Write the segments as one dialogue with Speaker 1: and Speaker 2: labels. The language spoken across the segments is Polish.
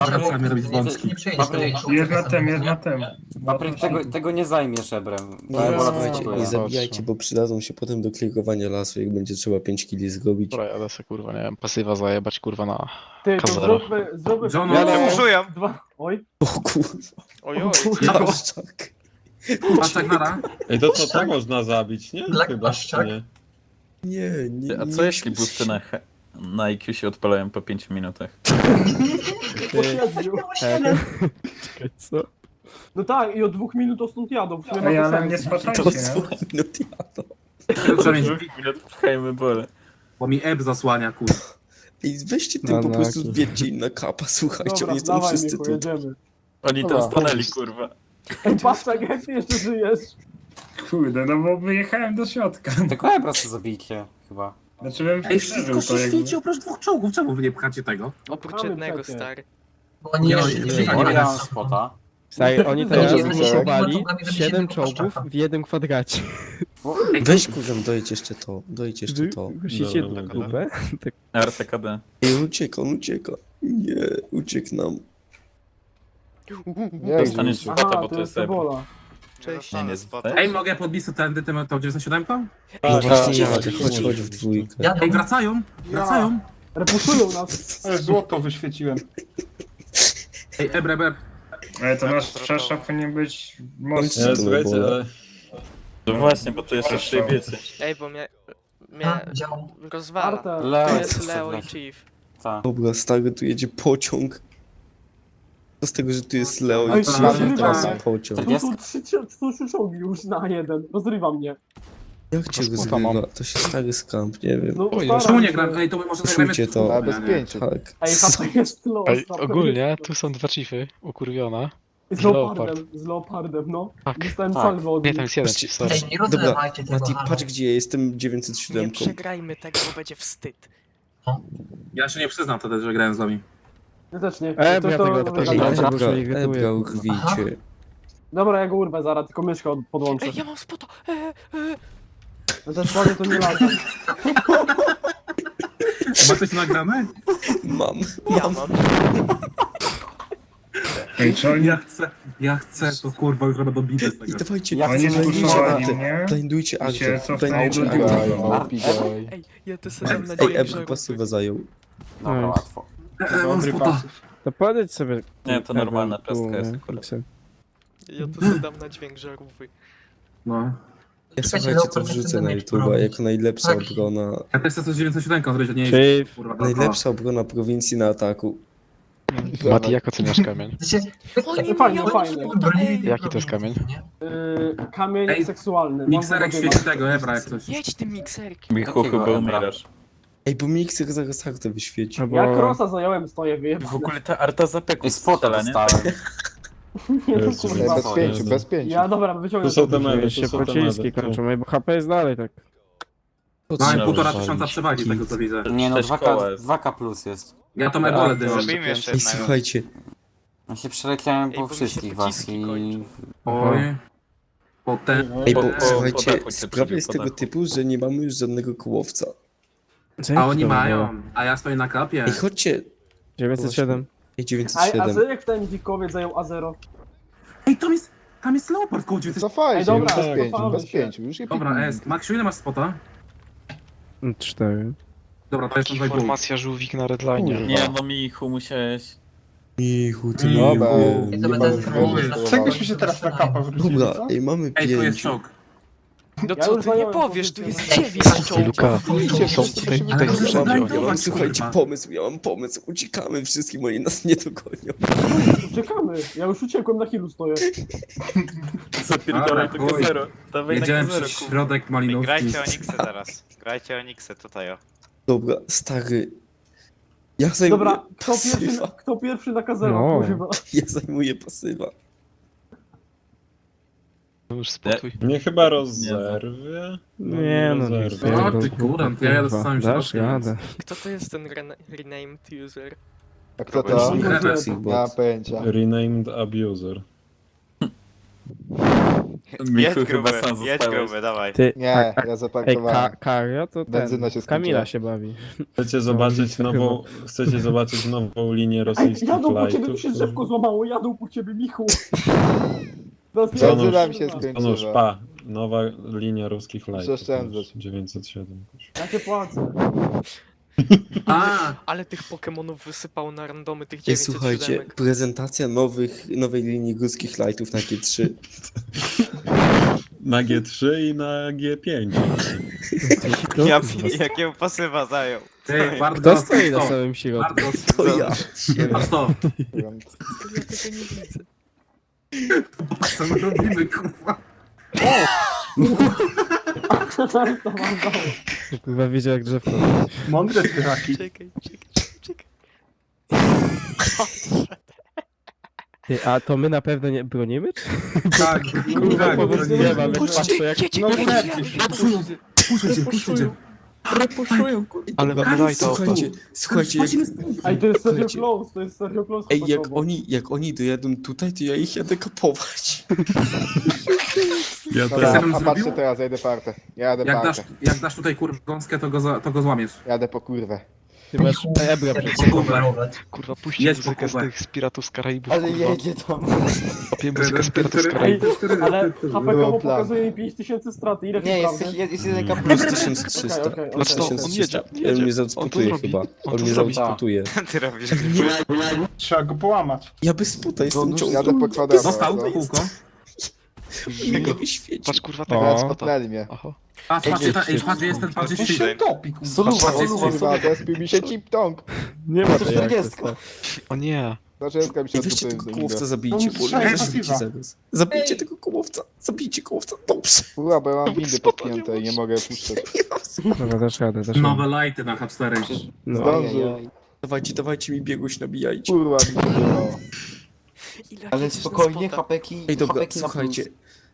Speaker 1: Papryk, robić wąski.
Speaker 2: Nie przejdziesz
Speaker 3: Papryk.
Speaker 2: tego.
Speaker 4: Jest na tym.
Speaker 3: Papryk, tego nie zajmiesz ebrem.
Speaker 5: Nie,
Speaker 3: Ta ebola to
Speaker 5: słuchajcie,
Speaker 3: spokojnie.
Speaker 5: nie zabijajcie, bo przydadzą się potem do klikowania lasu, jak będzie trzeba 5 kili zrobić.
Speaker 6: Dobra, jadę se kurwa, nie wiem, pasywa zajebać kurwa na
Speaker 7: Ty, to
Speaker 6: Kazero.
Speaker 7: zróbmy...
Speaker 1: John,
Speaker 7: Ja
Speaker 8: użyję.
Speaker 7: Oj.
Speaker 5: O kurwa,
Speaker 8: Ojoj.
Speaker 5: paszczak.
Speaker 1: Paszczak nara.
Speaker 9: Ej, to można zabić, nie?
Speaker 2: Black
Speaker 9: Chyba,
Speaker 2: paszczak.
Speaker 9: czy nie?
Speaker 5: Nie.
Speaker 10: A co jeśli boosty na IQ się odpalają po 5 minutach?
Speaker 7: Po 7.
Speaker 6: Co?
Speaker 7: No tak, i od 2 minut to stąd jadą. W sumie
Speaker 4: Ej,
Speaker 7: ma to
Speaker 4: ale
Speaker 7: sens.
Speaker 4: nie spaczajcie,
Speaker 5: To
Speaker 4: nie?
Speaker 5: słuchaj, no diabeł.
Speaker 10: minut pchajmy bole.
Speaker 1: Bo mi eb zasłania, kur.
Speaker 5: Ej, weźcie tym po prostu wiecie im na kapa, słuchajcie,
Speaker 7: Dobra,
Speaker 5: oni są
Speaker 7: dawaj
Speaker 5: wszyscy
Speaker 7: Michu,
Speaker 5: tu.
Speaker 7: jedziemy.
Speaker 10: Oni tam stanęli kurwa.
Speaker 7: Ej, Paszczak, jak ty jeszcze żyjesz?
Speaker 4: Kurde, no bo wyjechałem do środka.
Speaker 3: Tylko ebra sobie zabijcie, chyba.
Speaker 4: Znaczy bym
Speaker 1: Ej,
Speaker 4: przeżył
Speaker 1: wszystko
Speaker 4: to
Speaker 1: się
Speaker 4: jakby.
Speaker 1: świeci oprócz 2 czołgów. Czemu wy nie pchacie tego?
Speaker 8: Oprócz
Speaker 7: Mamy
Speaker 8: jednego,
Speaker 7: przecie.
Speaker 8: stary.
Speaker 2: Bo oni
Speaker 1: Nie,
Speaker 2: jeszcze
Speaker 1: nie,
Speaker 2: nie
Speaker 1: nie,
Speaker 2: żyją.
Speaker 1: nie,
Speaker 3: Ja
Speaker 1: nie.
Speaker 3: mam spota.
Speaker 11: Stary, oni
Speaker 2: Ludzie,
Speaker 11: teraz
Speaker 2: oni się
Speaker 11: zbudowali
Speaker 2: chyba zrobili
Speaker 11: 7
Speaker 2: jednego
Speaker 11: czołgów
Speaker 2: paszczaka.
Speaker 11: w jednym kwadracie.
Speaker 5: Weź kurzem, dojedź jeszcze to.
Speaker 11: Musicie
Speaker 9: Dobra,
Speaker 11: dupę.
Speaker 10: RTKD.
Speaker 5: Ej, on ucieka. Nie, uciekł nam.
Speaker 10: Dostaniesz spota,
Speaker 7: Aha,
Speaker 10: bo to jest ebr.
Speaker 7: ebola.
Speaker 8: Cześć.
Speaker 10: Nie, nie
Speaker 1: Ej, mogę podbić tędy tą 97?
Speaker 5: No właśnie,
Speaker 9: tak,
Speaker 5: jadę, chodź w dwójkę.
Speaker 2: Jadą.
Speaker 1: Ej, wracają! Wracają!
Speaker 7: Repuszują nas.
Speaker 4: Ale złoto wyświeciłem.
Speaker 1: Ej, eb.
Speaker 4: Ale to nasz przeszczep powinien być mocny.
Speaker 5: Co
Speaker 9: Ja,
Speaker 5: to
Speaker 9: słuchajcie,
Speaker 5: było?
Speaker 9: ale...
Speaker 10: No właśnie, bo to jeszcze przyjebiecie.
Speaker 8: Ej, bo mnie
Speaker 2: A, działał.
Speaker 8: rozwala.
Speaker 7: Arta.
Speaker 3: Leo
Speaker 8: To
Speaker 3: jest
Speaker 8: jest Leo i
Speaker 3: jeszcze
Speaker 8: Chief.
Speaker 3: Tak.
Speaker 5: Dobra, stary, tu jedzie pociąg. Co z tego, że tu jest Leo
Speaker 7: Ej,
Speaker 5: i
Speaker 7: rozrywa
Speaker 5: teraz
Speaker 7: mnie.
Speaker 5: pociąg.
Speaker 7: Tu są 3 czołgi już na jeden. Rozrywa mnie.
Speaker 5: Jak cię
Speaker 6: Spota mam.
Speaker 5: rozgrywa? To się stary skamp, nie wiem.
Speaker 7: No,
Speaker 6: Oj,
Speaker 7: staram
Speaker 1: Czemu nie
Speaker 7: się.
Speaker 1: gram? Ej, to może
Speaker 5: Czujcie to.
Speaker 1: zagramy
Speaker 4: bez pięciu.
Speaker 5: Tak.
Speaker 7: Ej, HP jest los.
Speaker 6: Ej,
Speaker 7: HP
Speaker 6: ogólnie
Speaker 7: jest
Speaker 6: tu są 2 chiefy, ukurwiona.
Speaker 7: Z leopardem, no.
Speaker 6: Tak,
Speaker 7: Dostałem
Speaker 3: tak.
Speaker 7: salwę od
Speaker 6: Nie,
Speaker 7: nich.
Speaker 6: tam jest jeden chief, sorry.
Speaker 2: Ej, nie
Speaker 5: Dobra,
Speaker 2: rozlewajcie tego.
Speaker 5: Mati,
Speaker 2: halo.
Speaker 5: patrz gdzie ja jestem
Speaker 8: Nie
Speaker 5: 907.
Speaker 8: przegrajmy tego, bo będzie wstyd.
Speaker 1: Ja się nie przyznam wtedy, że grałem z wami.
Speaker 7: Ja też nie.
Speaker 11: Ja tego
Speaker 5: Ej,
Speaker 11: odpaliłem.
Speaker 7: Dobra,
Speaker 11: bo się irytuje.
Speaker 5: Ebra, urwijcie.
Speaker 7: Dobra, ja go urwę zaraz, tylko myszkę podłączę.
Speaker 8: Ej, ja mam spota.
Speaker 7: No też ładnie to nie lata.
Speaker 1: Ma coś nagrane?
Speaker 5: Mam.
Speaker 8: Ja mam.
Speaker 4: Ej, czy oni,
Speaker 1: Ja chcę, to kurwa, już robię dobity z
Speaker 5: I
Speaker 1: tego.
Speaker 5: dawajcie,
Speaker 3: Ja
Speaker 4: oni
Speaker 3: chcę
Speaker 4: zbuszowali
Speaker 5: artę.
Speaker 4: mnie?
Speaker 5: Blindujcie
Speaker 4: I się
Speaker 5: artę.
Speaker 4: cofnęli
Speaker 5: Blindujcie
Speaker 4: do
Speaker 5: artę.
Speaker 4: góry.
Speaker 8: Ej, ja to sobie dam na
Speaker 5: Ej,
Speaker 8: dźwięk
Speaker 5: Ebra
Speaker 8: żarówki.
Speaker 5: pasywę zajął.
Speaker 3: Dobra, łatwo.
Speaker 1: Mam spota.
Speaker 11: To podejdź sobie.
Speaker 10: Nie, to normalna
Speaker 11: Tu,
Speaker 10: pestka jest
Speaker 11: nie,
Speaker 10: akurat.
Speaker 11: Pixel.
Speaker 8: Ja to sobie dam na dźwięk żarówki.
Speaker 1: No.
Speaker 5: Ja
Speaker 2: Czekajcie,
Speaker 5: słuchajcie, to
Speaker 2: Leopard
Speaker 5: wrzucę
Speaker 2: chce
Speaker 5: na
Speaker 2: mieć
Speaker 5: YouTube'a
Speaker 2: robić.
Speaker 5: jako najlepsza
Speaker 2: Tak.
Speaker 5: obrona.
Speaker 1: Ja też chcę coś 907 zrobić, a nie jest
Speaker 11: Chief.
Speaker 1: kurwa.
Speaker 5: Najlepsza obrona prowincji na ataku.
Speaker 6: Mati, jak oceniasz kamień?
Speaker 2: Znaczy,
Speaker 8: O nie,
Speaker 7: Fajnie,
Speaker 8: ja mam
Speaker 7: fajnie.
Speaker 8: spota, ej.
Speaker 6: Jaki to jest kamień?
Speaker 7: Kamień
Speaker 1: Ej,
Speaker 7: seksualny.
Speaker 1: Mikserek
Speaker 7: Mam
Speaker 1: świeci tego, Ebra, jak coś.
Speaker 8: Jedź tym mikserkiem.
Speaker 10: Michu,
Speaker 3: Jakiego
Speaker 10: chyba
Speaker 3: ebra?
Speaker 10: umierasz.
Speaker 5: Ej, bo mikser zaraz artę wyświeci.
Speaker 11: Albo...
Speaker 7: Ja krosa zająłem, stoję, wyjebane.
Speaker 10: W ogóle ta arta zapeku
Speaker 3: I spota
Speaker 10: strzela, nie?
Speaker 3: dostałem.
Speaker 7: Nie, no
Speaker 9: Jezu,
Speaker 7: kurwa.
Speaker 9: bez pięciu, bez pięciu.
Speaker 7: Ja dobra, wyciągnę
Speaker 9: Tu są
Speaker 7: to.
Speaker 9: te memy,
Speaker 11: Już się
Speaker 9: tu są te
Speaker 11: pociski
Speaker 9: medy.
Speaker 11: kończą, bo HP jest dalej tak.
Speaker 1: Mamy
Speaker 5: No,
Speaker 1: 1500 przewagi z tego co widzę.
Speaker 3: Nie no,
Speaker 10: Sześć
Speaker 3: 2K,
Speaker 10: koła jest.
Speaker 3: 2K plus jest.
Speaker 1: Ja tą ebolę dymam.
Speaker 8: Zabijmy jeszcze
Speaker 5: Ej,
Speaker 8: jednego.
Speaker 5: słuchajcie,
Speaker 3: Ja się przeleciałem
Speaker 8: Ej,
Speaker 3: po
Speaker 8: bo mi się
Speaker 3: wszystkich was
Speaker 8: pociski
Speaker 3: i...
Speaker 8: kończą.
Speaker 1: Oj. Potem.
Speaker 5: ej, bo
Speaker 10: po
Speaker 5: słuchajcie,
Speaker 10: dachu cię
Speaker 5: sprawa
Speaker 10: przebił,
Speaker 5: jest
Speaker 10: po
Speaker 5: tego
Speaker 10: dachu.
Speaker 5: typu, że nie mamy już żadnego kłowca.
Speaker 1: A oni mają, a ja stoję na klapie.
Speaker 5: Ej, chodźcie.
Speaker 11: 907.
Speaker 5: Ej,
Speaker 7: A
Speaker 5: 907.
Speaker 7: co jak ten dzikowiec zajął A0?
Speaker 1: Ej, tam jest Leopard koło 900.
Speaker 7: Ej, dobra,
Speaker 9: bez
Speaker 7: cofamy się.
Speaker 4: Już je
Speaker 1: Dobra, S. Maksiu, ile masz spota?
Speaker 11: 4.
Speaker 1: Dobra, to jest na 2,5.
Speaker 6: Formacja żółwik na redline.
Speaker 10: Nie, no Michu, musiałeś...
Speaker 5: Michu, ty
Speaker 4: Dobra,
Speaker 5: miły.
Speaker 2: I to będę
Speaker 4: Czegośmy się teraz na kapa wrócili,
Speaker 5: Dobra,
Speaker 4: co?
Speaker 5: ej, mamy
Speaker 1: Ej, tu jest
Speaker 5: 5.
Speaker 1: czołg.
Speaker 8: No
Speaker 7: Ja
Speaker 8: co
Speaker 7: już
Speaker 8: ty nie
Speaker 7: zająłem
Speaker 8: powiesz, tu
Speaker 7: pozycję
Speaker 8: jest
Speaker 7: na-
Speaker 8: 9 czołgów.
Speaker 6: Luka, są tutaj
Speaker 1: Ale to
Speaker 6: z
Speaker 1: jest
Speaker 6: przodu,
Speaker 1: dobra,
Speaker 6: oni
Speaker 1: dobra.
Speaker 6: są-
Speaker 5: Słuchajcie,
Speaker 1: kurwa.
Speaker 5: pomysł, ja mam pomysł. Uciekamy wszystkim, oni nas nie dogonią.
Speaker 7: Czekamy, ja już uciekłem, na healu stoję.
Speaker 10: Zapierdolaj to
Speaker 1: chuj.
Speaker 10: K0. Dawaj na
Speaker 1: Jedziemy
Speaker 10: K0,
Speaker 1: przez
Speaker 10: kurwa.
Speaker 1: środek Malinowski.
Speaker 8: Grajcie Oniksę teraz. Grajcie Oniksę tutaj o.
Speaker 5: Dobra, stary. Ja zajmuję
Speaker 7: Dobra,
Speaker 5: pasywa.
Speaker 7: kto pierwszy na kazero,
Speaker 11: No.
Speaker 7: kurwa.
Speaker 5: Ja zajmuję pasywa.
Speaker 6: No już spokój.
Speaker 9: Mnie chyba rozerwie.
Speaker 11: Nie no, nie
Speaker 9: rozerwie.
Speaker 1: O, ty kurant, ja jadę z samym
Speaker 11: Dasz
Speaker 1: środkiem.
Speaker 11: radę.
Speaker 8: Kto to jest ten renamed user?
Speaker 4: A kto
Speaker 1: to?
Speaker 4: to?
Speaker 1: Gremlin.
Speaker 5: Toxic
Speaker 4: Nie mam
Speaker 5: bot.
Speaker 4: pojęcia.
Speaker 9: Renamed abuser.
Speaker 10: Michu chyba sam
Speaker 8: jedź
Speaker 10: zostałeś.
Speaker 8: gruby, dawaj.
Speaker 11: Ty,
Speaker 4: Nie,
Speaker 11: a,
Speaker 4: ja
Speaker 11: ej,
Speaker 4: zaparkowałem.
Speaker 11: Kario to
Speaker 4: Benzyna się
Speaker 11: ten, Kamila
Speaker 4: skończyła.
Speaker 11: się bawi.
Speaker 9: Chcecie zobaczyć nową linię rosyjskich
Speaker 7: Jadą po ciebie, tu
Speaker 9: lightów?
Speaker 7: się drzewko złamało, jadą po ciebie, Michu.
Speaker 4: Benzyna mi się
Speaker 9: To nóż,
Speaker 4: skończyła.
Speaker 9: pa. Nowa linia ruskich lightów.
Speaker 4: Oszczędzać.
Speaker 9: 907.
Speaker 7: Ja cię płacę.
Speaker 1: A,
Speaker 8: Ale tych Pokemonów wysypało na randomy tych
Speaker 5: Ej,
Speaker 8: 907.
Speaker 5: słuchajcie, prezentacja nowej linii górskich lightów na G3.
Speaker 9: Na G3 i na G5.
Speaker 8: Jakiego pasywa zajął.
Speaker 1: ty, bardzo
Speaker 11: Kto stoi na samym środku?
Speaker 1: Bardzo
Speaker 5: To ja.
Speaker 1: Prosto.
Speaker 8: Ja tego nie widzę.
Speaker 1: Co my robimy, kurwa?
Speaker 7: To mam dało.
Speaker 11: Chyba wiedział jak drzewko.
Speaker 4: Mądre styraki.
Speaker 8: Czekaj.
Speaker 11: Ty, a to my na pewno nie bronimy? Czy?
Speaker 1: Tak,
Speaker 11: Kurwa,
Speaker 1: tak,
Speaker 11: powód nie mam, jak patrzę jak...
Speaker 7: No
Speaker 1: puszczę.
Speaker 6: Ale mamy lighta
Speaker 5: Słuchajcie, jak,
Speaker 7: Ej, to jest serio
Speaker 5: Słuchajcie.
Speaker 7: close, to jest serio close.
Speaker 5: ej,
Speaker 7: chłopaki.
Speaker 5: jak oni dojadą tutaj, to ja ich jadę kapować.
Speaker 9: Ja
Speaker 4: Dobra,
Speaker 1: Jestem
Speaker 4: a
Speaker 1: zrobił?
Speaker 4: patrzcie teraz, ja idę partę. Ja jadę partę.
Speaker 1: Jak dasz tutaj kurwa gąskę, to go złamiesz.
Speaker 4: Jadę po kurwę.
Speaker 11: Ty masz ebra przed sobą.
Speaker 6: Kurwa, puśćcie
Speaker 1: Jedź po
Speaker 6: muzykę z
Speaker 1: Kubę.
Speaker 6: tych z Piratów z Karaibów,
Speaker 3: Ale
Speaker 6: kurwa.
Speaker 3: jedzie tam.
Speaker 6: Kopię muzykę z Piratów z
Speaker 7: Ej,
Speaker 6: Karaibów.
Speaker 7: ale HPK
Speaker 4: Było
Speaker 7: mu
Speaker 4: plan.
Speaker 7: pokazuje mi 5000 straty, ile
Speaker 3: Nie,
Speaker 7: to
Speaker 3: jest,
Speaker 7: prawda?
Speaker 3: jest jeden kapel.
Speaker 5: Plus 1300.
Speaker 7: Okej, okej,
Speaker 5: Plus
Speaker 6: Znaczy to, on
Speaker 5: 1300.
Speaker 6: jedzie.
Speaker 5: On mnie
Speaker 6: On to
Speaker 5: zaspotuje
Speaker 6: zrobi.
Speaker 5: chyba.
Speaker 6: On
Speaker 5: On
Speaker 6: to
Speaker 5: mnie
Speaker 6: zrobi.
Speaker 5: zaspotuje.
Speaker 8: Ty robisz.
Speaker 4: Trzeba go połamać.
Speaker 5: Ja bez sputa jestem
Speaker 3: No,
Speaker 5: ciągle.
Speaker 4: Jadę po kwadracie.
Speaker 1: Został
Speaker 4: no.
Speaker 1: kółko.
Speaker 5: Nie go świeci.
Speaker 6: Patrz kurwa
Speaker 11: O.
Speaker 6: tego
Speaker 4: No,
Speaker 6: spota.
Speaker 4: spotnęli mnie.
Speaker 6: Aha.
Speaker 1: Patrz, patrz, jest ten, patrz, jest ten.
Speaker 4: topi, kurwa.
Speaker 3: Soluwa,
Speaker 4: Kurwa, zespił mi się chip-tong.
Speaker 11: Nie ma tej
Speaker 3: 140.
Speaker 6: O nie.
Speaker 4: Zaczęska mi się
Speaker 5: I weźcie
Speaker 4: odbyły
Speaker 5: tego
Speaker 4: z
Speaker 5: kołowca,
Speaker 4: nim.
Speaker 5: zabijcie,
Speaker 4: No,
Speaker 5: bo
Speaker 4: strzelają
Speaker 5: zabijcie
Speaker 4: pasywa.
Speaker 5: zaraz. Zabijcie tego kołowca, zabijcie kołowca, dobrze.
Speaker 4: Kurwa, bo ja mam windy
Speaker 6: Spota
Speaker 4: podpięte i nie
Speaker 6: nie
Speaker 4: mogę puszczać.
Speaker 11: Dobra, dasz radę, dasz radę.
Speaker 1: Nowe lighty na H4.
Speaker 11: No.
Speaker 4: Zdążył.
Speaker 5: Dawajcie mi biegłość, nabijajcie.
Speaker 4: Kurwa, mi się wydało.
Speaker 3: Ale spokojnie, hapeki,
Speaker 5: Ej, dobra,
Speaker 3: hapeki na plus.
Speaker 5: słuchajcie.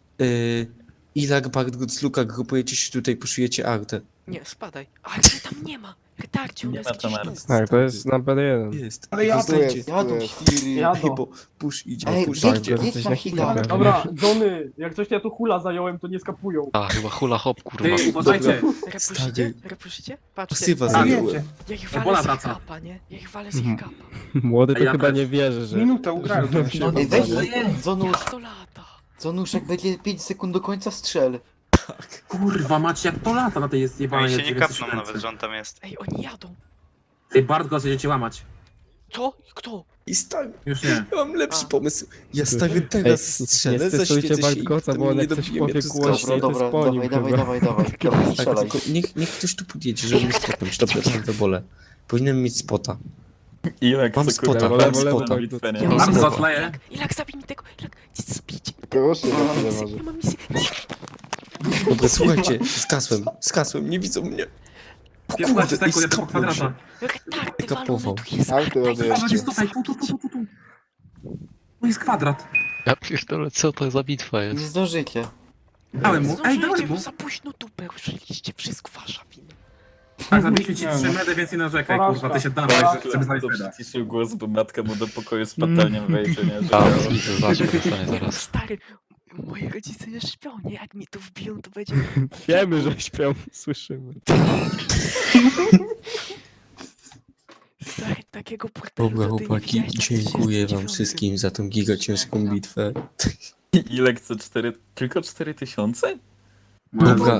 Speaker 5: Ilak, Bartgut, Luka, grupujecie się tutaj, puszujecie Artę.
Speaker 8: Nie, spadaj. Ale mnie tam nie ma. Retarcie, on
Speaker 10: Nie
Speaker 8: jest
Speaker 10: ma
Speaker 8: gdzieś
Speaker 10: tam
Speaker 8: tu.
Speaker 10: Arty.
Speaker 11: Tak, to jest number 1.
Speaker 5: Jest.
Speaker 4: Ale ja
Speaker 5: Zostańcie.
Speaker 4: tu jest.
Speaker 3: Jadą świry.
Speaker 7: Jadą.
Speaker 5: Bo push idzie,
Speaker 3: Ej,
Speaker 5: push
Speaker 3: jedź,
Speaker 5: idzie.
Speaker 3: jedź na hita.
Speaker 7: Dobra, Johnny, jak coś ja tu hula zająłem, to nie skapują.
Speaker 6: A, chyba hula hop, kurwa.
Speaker 1: Ty, uważajcie.
Speaker 8: Repuszycie? Repuszycie? Patrzcie.
Speaker 5: Pasywa
Speaker 1: A,
Speaker 5: zajęły.
Speaker 8: Ja ich
Speaker 1: Ebola
Speaker 8: walę z ich
Speaker 1: wraca.
Speaker 8: kapa, nie? Ja ich walę z ich kapa.
Speaker 11: Młody to
Speaker 1: Ja
Speaker 11: chyba
Speaker 1: też.
Speaker 11: nie wierzy, że...
Speaker 4: Minutę ugrają. to się
Speaker 3: Ej, weź,
Speaker 4: wydaje.
Speaker 3: Zonusz,
Speaker 8: To lata.
Speaker 3: Zonusz, jak będzie 5 sekund do końca strzel.
Speaker 1: Kurwa, macie jak to lata na tej jest
Speaker 8: Oni
Speaker 1: jebanej.
Speaker 8: się nie kapną nawet, że on tam jest. Ej, oni jadą.
Speaker 1: Ty, Bartko, będziecie łamać.
Speaker 8: Co? Kto?
Speaker 5: I stawię.
Speaker 1: Już nie.
Speaker 5: Ja mam lepszy
Speaker 8: A.
Speaker 5: pomysł. Ja stawię
Speaker 11: Ej,
Speaker 5: teraz
Speaker 11: nie
Speaker 5: strzelę,
Speaker 11: stresujcie
Speaker 5: zaświecę się i
Speaker 11: Bartkoca,
Speaker 5: potem
Speaker 11: bo on
Speaker 5: nie
Speaker 11: jak coś
Speaker 5: dobiję mnie
Speaker 11: powie
Speaker 5: to
Speaker 11: głośniej,
Speaker 5: skapnie.
Speaker 11: to
Speaker 3: Dobra,
Speaker 11: jest po nim
Speaker 3: dawaj,
Speaker 11: chyba.
Speaker 3: dawaj. Dobra,
Speaker 5: Tak,
Speaker 3: strzelaj.
Speaker 5: tylko niech ktoś tu podjedzie, żeby mnie spotnąć. Dobra, jestem w ebole. Powinienem mieć spota.
Speaker 10: Ilek,
Speaker 5: Mam
Speaker 10: co
Speaker 5: spota,
Speaker 10: kurwa,
Speaker 11: lewo,
Speaker 10: mam
Speaker 11: lewo,
Speaker 10: spota
Speaker 11: lewo,
Speaker 10: bitwę,
Speaker 11: lewo.
Speaker 10: nie?
Speaker 5: Mam
Speaker 1: Mam
Speaker 5: spota.
Speaker 1: zotleję.
Speaker 8: Ilak, zabij mi tego. Ilak, zbić.
Speaker 4: Proszę,
Speaker 8: Ja mam
Speaker 4: tyle
Speaker 8: misję,
Speaker 4: może.
Speaker 8: ja mam misję.
Speaker 5: Dobra, słuchajcie, skasłem, nie widzą mnie. O
Speaker 1: 15
Speaker 5: kurde, i
Speaker 1: sekund, ja to po
Speaker 5: skapnął się.
Speaker 1: kwadrata.
Speaker 8: Retardy
Speaker 5: Kapował.
Speaker 8: walone, tu jest
Speaker 4: Arty
Speaker 8: Arta i
Speaker 4: robię
Speaker 1: Patrz,
Speaker 4: jeszcze.
Speaker 1: jest tutaj, tu. Tu jest kwadrat.
Speaker 6: Ja pierdolę, co to za bitwa jest?
Speaker 3: Nie zdążycie.
Speaker 1: Dałem mu, ej,
Speaker 8: Zdążycie,
Speaker 1: dałem
Speaker 8: bo
Speaker 1: mu.
Speaker 8: za późno dupę użyliście, wszystko wasza wina.
Speaker 1: Tak, zabiliśmy ci 3 medy, więc nie narzekaj, kurwa, ty się dawaj, żeby znaleźć
Speaker 10: To
Speaker 1: meda.
Speaker 10: przyciszył głos, bo matka mu do pokoju z patelnią wejdzie, nie? Że-
Speaker 6: A, zobaczmy, dostanie zaraz.
Speaker 8: Stary, moi rodzice nie śpią, nie? Jak mi tu wbiją, to będzie...
Speaker 11: Wiemy, że śpią, słyszymy.
Speaker 8: Stary, takiego portalu
Speaker 5: Dobra,
Speaker 8: to ty nie
Speaker 5: chłopaki,
Speaker 8: widziałeś na
Speaker 5: dziękuję wam
Speaker 8: 1909.
Speaker 5: wszystkim za tą gigaciężką bitwę.
Speaker 10: Ilek co 4, tylko 4000?
Speaker 5: Dobra,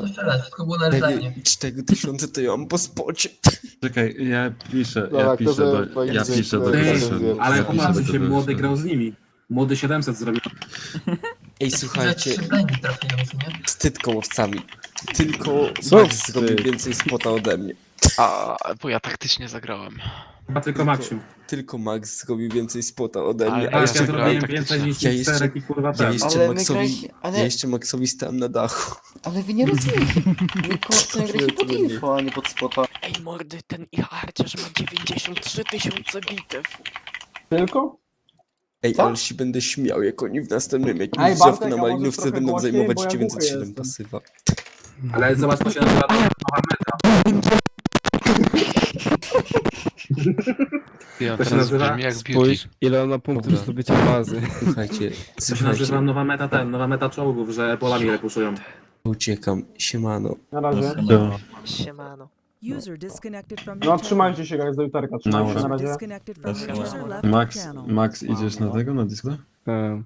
Speaker 5: 4000 to ja mam po spocie.
Speaker 9: Czekaj, ja piszę
Speaker 4: Dobra, kto sobie
Speaker 9: do
Speaker 4: pojedzie,
Speaker 1: Ty, ale
Speaker 9: ja
Speaker 1: popatrz,
Speaker 9: piszę
Speaker 1: się
Speaker 9: do
Speaker 1: młody
Speaker 9: Grzegorza.
Speaker 1: grał z nimi. Młody 700 zrobił.
Speaker 5: Ej, słuchajcie, wstyd kołowcami. Tylko
Speaker 11: Co
Speaker 5: Max
Speaker 11: wstyd?
Speaker 5: zrobił więcej spota ode mnie.
Speaker 6: A, bo ja taktycznie zagrałem.
Speaker 1: Chyba tylko Maksiu.
Speaker 5: Tylko Max zrobił więcej spota ode
Speaker 6: Ale
Speaker 5: mnie.
Speaker 6: ja
Speaker 5: A
Speaker 1: Tak,
Speaker 5: jeszcze,
Speaker 1: ja
Speaker 6: zagrałem
Speaker 1: zrobiłem więcej niż
Speaker 5: Ja jeszcze-
Speaker 1: czterech i kurwa
Speaker 5: ja
Speaker 1: ten.
Speaker 5: jeszcze
Speaker 3: Ale my
Speaker 5: Maxowi,
Speaker 3: graliśmy, ale-
Speaker 5: ja jeszcze Maxowi stałem na dachu.
Speaker 3: Ale wy nie rozumiecie. My kołowce graliśmy pod info, a nie pod spota.
Speaker 8: Ej, mordy, ten ich harcerz ma 93 000 bitew.
Speaker 7: Tylko?
Speaker 5: Ej,
Speaker 3: Co?
Speaker 5: ale się będę śmiał, jak oni w następnym
Speaker 7: Ej,
Speaker 5: jakimś
Speaker 7: Bartek,
Speaker 5: drzewku
Speaker 7: a
Speaker 5: na
Speaker 7: możesz
Speaker 5: malinówce
Speaker 7: trochę
Speaker 5: będą
Speaker 7: głośniej,
Speaker 5: zajmować
Speaker 7: bo ja
Speaker 5: 907
Speaker 7: głuchy
Speaker 5: pasywa.
Speaker 1: Ale zobacz, co się nazywa nowa meta.
Speaker 6: Ja
Speaker 1: To się
Speaker 6: teraz
Speaker 1: nazywa
Speaker 6: brzmi jak beauty.
Speaker 11: Spójrz, ile on ma punktów do zdobycia bazy.
Speaker 5: Słuchajcie,
Speaker 1: To się nazywa
Speaker 5: słuchajcie,
Speaker 1: nowa meta czołgów, że polami repuszują.
Speaker 5: uciekam, siemano.
Speaker 7: Na razie.
Speaker 8: Siemano.
Speaker 2: User disconnected from
Speaker 7: No trzymajcie się, guys, do jutarka. Trzymajcie się
Speaker 9: Dobra.
Speaker 7: na razie.
Speaker 2: Disconnected from your user left
Speaker 9: Max,
Speaker 2: channel.
Speaker 9: Max, idziesz na tego, na Discorda?